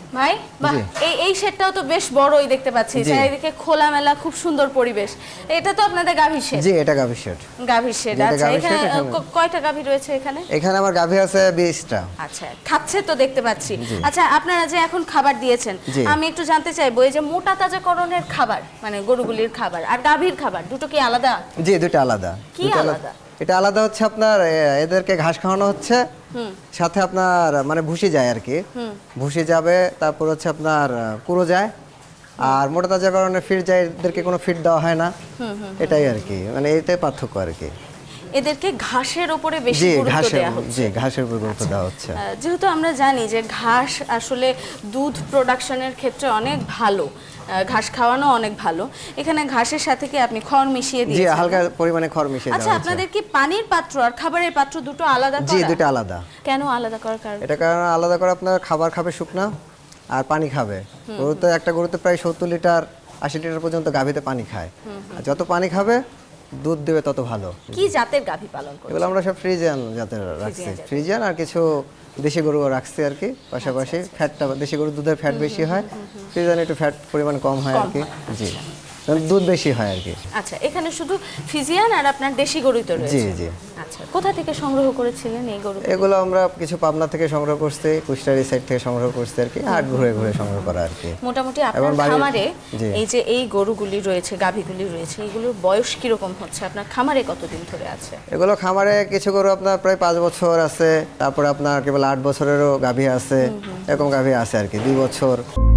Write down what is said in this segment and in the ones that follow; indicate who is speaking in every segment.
Speaker 1: ভাই বাহ, এই শেডটাও তো বেশ বড়ই দেখতে পাচ্ছি, চারিদিকে খোলামেলা, খুব সুন্দর পরিবেশ। এটা তো আপনাদের গাভীর শেড?
Speaker 2: জি, এটা গাভীর শেড।
Speaker 1: গাভীর শেড। আচ্ছা, এখানে কয়টা গাভী রয়েছে এখানে?
Speaker 2: এখানে আমার গাভী আছে 20টা।
Speaker 1: আচ্ছা, খাচ্ছে তো দেখতে পাচ্ছি। আচ্ছা, আপনারা যে এখন খাবার দিয়েছেন, আমি একটু জানতে চাইবো, এই যে মোটা তাজাকরণের খাবার, মানে গরুগুলির খাবার আর গাভীর খাবার, দুটো কি আলাদা?
Speaker 2: জি, দুটো আলাদা।
Speaker 1: কি আলাদা?
Speaker 2: এটা আলাদা হচ্ছে আপনার এদেরকে ঘাস খাওয়ানো হচ্ছে, সাথে আপনার মানে ভুসি যায় আর কি, ভুসি যাবে, তারপর হচ্ছে আপনার কুড়ো যায়, আর মোটা তাজা কারণে ফিড যায়, এদেরকে কোনো ফিড দেওয়া হয় না, এটাই আর কি, মানে এইটাই পার্থক্য আর কি।
Speaker 1: এদেরকে ঘাসের উপরে বেশি গুরুত্ব দেওয়া হচ্ছে।
Speaker 2: জি, ঘাসের উপরে গুরুত্ব দেওয়া হচ্ছে।
Speaker 1: যেহেতু আমরা জানি যে ঘাস আসলে দুধ প্রোডাকশনের ক্ষেত্রে অনেক ভালো, ঘাস খাওয়ানো অনেক ভালো, এখানে ঘাসের সাথে কি আপনি খড় মিশিয়ে দিয়েছেন?
Speaker 2: জি, হালকা পরিমাণে খড় মিশিয়ে দেওয়া
Speaker 1: আচ্ছা,
Speaker 2: হচ্ছে।
Speaker 1: আপনাদের কি পানির পাত্র আর খাবারের পাত্র দুটো আলাদা করা?
Speaker 2: জি, দুটো আলাদা।
Speaker 1: কেন আলাদা করার কারণ?
Speaker 2: এটা কারণ আলাদা করে আপনার খাবার খাবে শুকনা, আর পানি খাবে। গরুতে একটা গরুতে প্রায় 70 লিটার 80 লিটার পর্যন্ত গাভীতে পানি খায়, আর যত পানি খাবে দুধ দেবে তত ভালো।
Speaker 1: কি জাতের গাভী পালন করছেন?
Speaker 2: এগুলো আমরা সব ফ্রিজিয়ান জাতের রাখছি, ফ্রিজিয়ান আর কিছু দেশি গরু রাখছি আর কি পাশাপাশি। ফ্যাটটা দেশি গরুর দুধের ফ্যাট বেশি হয়, ফ্রিজিয়ান একটু ফ্যাট পরিমাণ কম হয় আর কি। জি, দুধ বেশি হয় আর কি।
Speaker 1: আচ্ছা, এখানে শুধু ফিজিয়ান আর আপনার দেশি গরুই তো রয়েছে?
Speaker 2: জি জি।
Speaker 1: আচ্ছা, কোথা থেকে সংগ্রহ করেছিলেন এই গরু?
Speaker 2: এগুলো আমরা কিছু পাবনা থেকে সংগ্রহ করছি, কুষ্টারি সাইড থেকে সংগ্রহ করছি আর কি, হাট ঘুরে ঘুরে সংগ্রহ করা আর কি।
Speaker 1: মোটামুটি আপনার খামারে এই যে এই গরুগুলি রয়েছে, গাভীগুলি রয়েছে, এগুলোর বয়স কি রকম হচ্ছে? আপনার খামারে কতদিন ধরে আছে
Speaker 2: এগুলো? খামারে কিছু গরু আপনার প্রায় 5 বছর আছে, তারপরে আপনার কেবল 8 বছরেরও গাভী আছে, এরকম গাভী আছে আর কি, 2 বছর।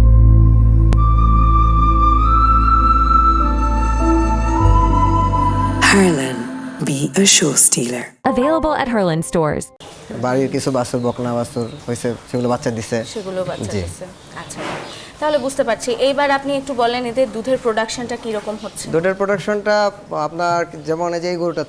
Speaker 3: Harlan, be a show stealer.
Speaker 4: Available at Herland stores.
Speaker 2: বাড়ির কিছু বাছুর, বকনা বাছুর হয়েছে, সেগুলো বাচ্চা দিছে।
Speaker 1: সেগুলো বাচ্চা দিছে। আচ্ছা, তাহলে বুঝতে পারছি। এইবার আপনি একটু বলেন এদের দুধের প্রোডাকশনটা কি রকম হচ্ছে?
Speaker 2: দুধের প্রোডাকশনটা আপনার যেমন এই যে এই গরুটার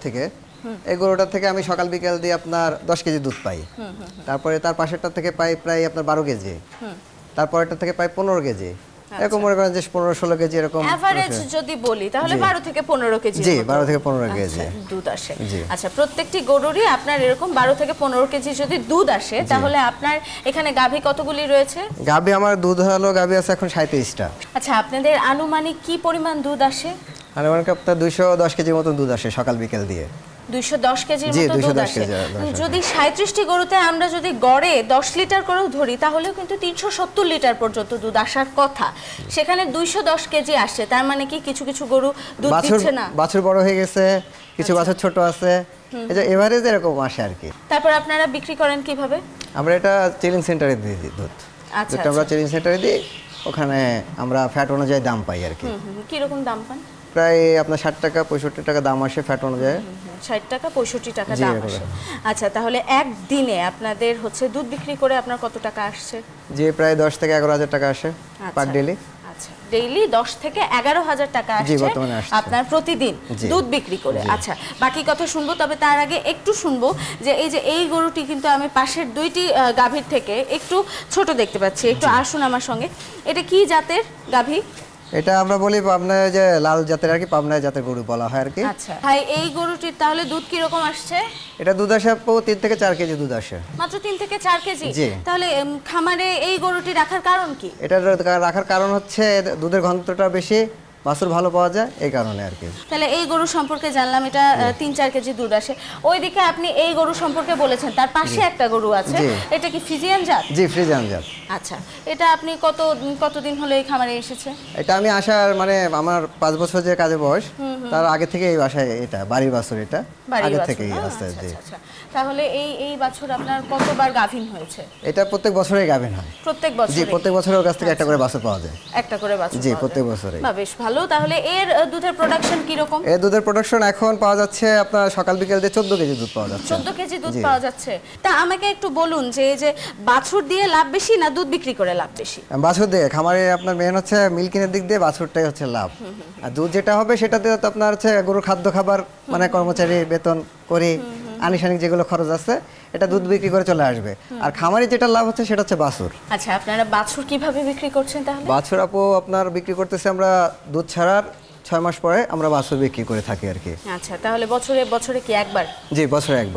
Speaker 2: থেকে আমি সকাল বিকেল দিয়ে আপনার 10 কেজি দুধ পাই, তারপরে তার পাশেরটা থেকে পাই প্রায় আপনার 12 কেজি, তারপরেরটা থেকে পাই 15 কেজি, এরকম মনে করেন যে 15-16 কেজি এরকম
Speaker 1: এভারেজ যদি বলি তাহলে 12 থেকে 15 কেজি।
Speaker 2: জি, 12 থেকে 15 কেজি
Speaker 1: দুধ আসে। আচ্ছা, প্রত্যেকটি গরুরই আপনার এরকম 12 থেকে 15 কেজি যদি দুধ আসে, তাহলে আপনার এখানে গাভী কতগুলি রয়েছে?
Speaker 2: গাভী আমার দুধ হলো গাভী আছে এখন 37টা।
Speaker 1: আচ্ছা, আপনাদের আনুমানিক কি পরিমাণ দুধ আসে?
Speaker 2: আনুমানিক আপনার 210 কেজির মতো দুধ আসে সকাল বিকেল দিয়ে।
Speaker 1: 210 কেজির মতো দুধ আসে। যদি 37টি গরুতে আমরা যদি গড়ে 10 লিটার করেও ধরি, তাহলেও কিন্তু 370 লিটার পর্যন্ত দুধ আসার কথা। সেখানে 210 কেজি আসছে, তার মানে কি কিছু কিছু গরু দুধ দিচ্ছে না?
Speaker 2: বাছুর বড় হয়ে গেছে, কিছু বাছুর ছোট আছে, এই যে এভারেজ এরকম আসে আর কি।
Speaker 1: তারপর আপনারা বিক্রি করেন কিভাবে?
Speaker 2: আমরা এটা চিলিং সেন্টারে দিয়ে দিই দুধ।
Speaker 1: আচ্ছা,
Speaker 2: আমরা চিলিং সেন্টারে দিই, ওখানে আমরা ফ্যাট অনুযায়ী দাম পাই আর কি।
Speaker 1: কি রকম দাম পান?
Speaker 2: প্রায় আপনার 60 টাকা 65 টাকা দাম আসে ফ্যাট অনুযায়ী।
Speaker 1: 60 টাকা 65 টাকা দাম আসে। আচ্ছা, তাহলে একদিনে আপনাদের হচ্ছে দুধ বিক্রি করে আপনার কত টাকা আসছে?
Speaker 2: যে প্রায় 10 থেকে 11,000 টাকা আসে পার ডেইলি।
Speaker 1: আচ্ছা, ডেইলি 10 থেকে 11,000 টাকা আসছে আপনার প্রতিদিন দুধ বিক্রি করে। আচ্ছা, বাকি কথা শুনবো, তবে তার আগে একটু শুনবো যে এই গরুটি কিন্তু আমি পাশের দুইটি গাভীর থেকে একটু ছোট দেখতে পাচ্ছি। একটু আসুন আমার সঙ্গে। এটা কি জাতের গাভী?
Speaker 2: এটা আমরা বলি পাবনা, যে লাল জাতের আর কি, পাবনা জাতের গরু বলা হয় আর কি।
Speaker 1: আচ্ছা ভাই, এই গরুটির তাহলে দুধ কি রকম আসছে?
Speaker 2: এটা দুধ আসে 3 থেকে 4 কেজি দুধ আসে।
Speaker 1: মাত্র 3 থেকে 4 কেজি? তাহলে খামারে এই গরুটি রাখার কারণ কি?
Speaker 2: এটা রাখার কারণ হচ্ছে দুধের ঘনত্বটা বেশি, বাছুর ভালো পাওয়া যায়, এই কারণে আর কি।
Speaker 1: তাহলে এই গরু সম্পর্কে জানলাম, এটা 3-4 কেজি দুধ আসে। ওইদিকে আপনি এই গরু সম্পর্কে বলেছেন, তার পাশে একটা গরু আছে, এটা কি ফ্রিজিয়ান জাত?
Speaker 2: জি, ফ্রিজিয়ান জাত।
Speaker 1: আচ্ছা, এটা আপনি কতদিন হলো এই খামারে এসেছে?
Speaker 2: এটা আমি আসার মানে আমার 5 বছর যে কাজে বয়স, তার আগে থেকে এই বাসায়, এটা বাড়ির বাছুর, এটা আগে থেকেই আছে। জি,
Speaker 1: তাহলে এই বছর আপনার কতবার গাভীন হয়েছে?
Speaker 2: এটা প্রত্যেক বছরেই গাভীন হয়।
Speaker 1: প্রত্যেক বছর?
Speaker 2: জি, প্রত্যেক বছরের কাছ থেকে একটা করে বাছুর পাওয়া যায়।
Speaker 1: একটা করে বাছুর?
Speaker 2: জি, প্রত্যেক বছরে।
Speaker 1: বাহ, বেশ ভালো। তাহলে এর দুধের প্রোডাকশন কি রকম?
Speaker 2: এর দুধের প্রোডাকশন এখন পাওয়া যাচ্ছে আপনার সকাল বিকেল দিয়ে 14 কেজি দুধ পাওয়া যাচ্ছে।
Speaker 1: 14 কেজি দুধ পাওয়া যাচ্ছে। তা আমাকে একটু বলুন যে এই যে বাছুর দিয়ে লাভ বেশি না দুধ বিক্রি করে লাভ বেশি?
Speaker 2: বাছুর দিয়ে খামারে আপনার মেন হচ্ছে মিল্কিনের দিক দিয়ে বাছুরটাই হচ্ছে লাভ, আর দুধ যেটা হবে সেটা দিয়ে তো আপনার হচ্ছে গরুর খাদ্য খাবার, মানে কর্মচারী বেতন করে আনুষঙ্গিক যেগুলো খরচ আছে, এটা দুধ বিক্রি করে চলে আসবে। আর খামারে যেটা লাভ হচ্ছে সেটা হচ্ছে বাছুর।
Speaker 1: আচ্ছা, আপনারা বাছুর কিভাবে বিক্রি করছেন তাহলে?
Speaker 2: বাছুর আপু আপনার বিক্রি করতেছে আমরা দুধ ছাড়ার 6 মাস পরে আমরা বাছুর বিক্রি করে থাকি আর কি।
Speaker 1: আচ্ছা, তাহলে বছরে কি একবার?
Speaker 2: জি, বছরে একবার।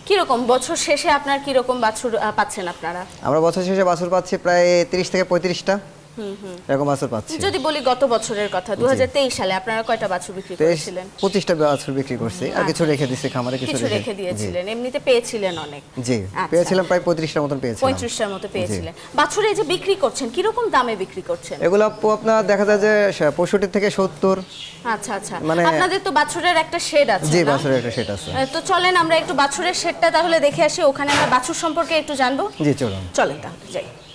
Speaker 1: কিরকম বছর শেষে আপনার কিরকম বাছুর পাচ্ছেন আপনারা?
Speaker 2: আমরা বছর শেষে বাছুর পাচ্ছি প্রায় 30 থেকে 35টা এরকম বাছুর পাচ্ছি।
Speaker 1: যদি বলি গত বছরের কথা 2023 সালে আপনারা কয়টা বাছুর বিক্রি করেছিলেন?
Speaker 2: 25টা বাছুর বিক্রি করছি আর কিছু রেখে দিয়েছি খামারে,
Speaker 1: কিছু রেখে দিয়েছিলেন, এমনিতে পেয়েছিলেন অনেক?
Speaker 2: জি
Speaker 1: আচ্ছা।
Speaker 2: পেয়েছিলাম প্রায় 35টার মতন পেয়েছিলাম।
Speaker 1: 35টার মতো পেয়েছিলেন। বাছুর এই যে বিক্রি করছেন কিরকম দামে বিক্রি করছেন?
Speaker 2: এগুলো আপু আপনার দেখা যায় যে 65 থেকে 70।
Speaker 1: আচ্ছা আচ্ছা,
Speaker 2: মানে-
Speaker 1: আপনাদের তো বাছুরের একটা শেড আছে
Speaker 2: জি
Speaker 1: না?
Speaker 2: বাছুরের একটা সেট আছে।
Speaker 1: তো চলেন আমরা একটু বাছুরের শেডটা তাহলে দেখে আসি, ওখানে আমরা বাছুর সম্পর্কে একটু জানবো।
Speaker 2: জি চলুন।
Speaker 1: চলেন তাহলে যাই।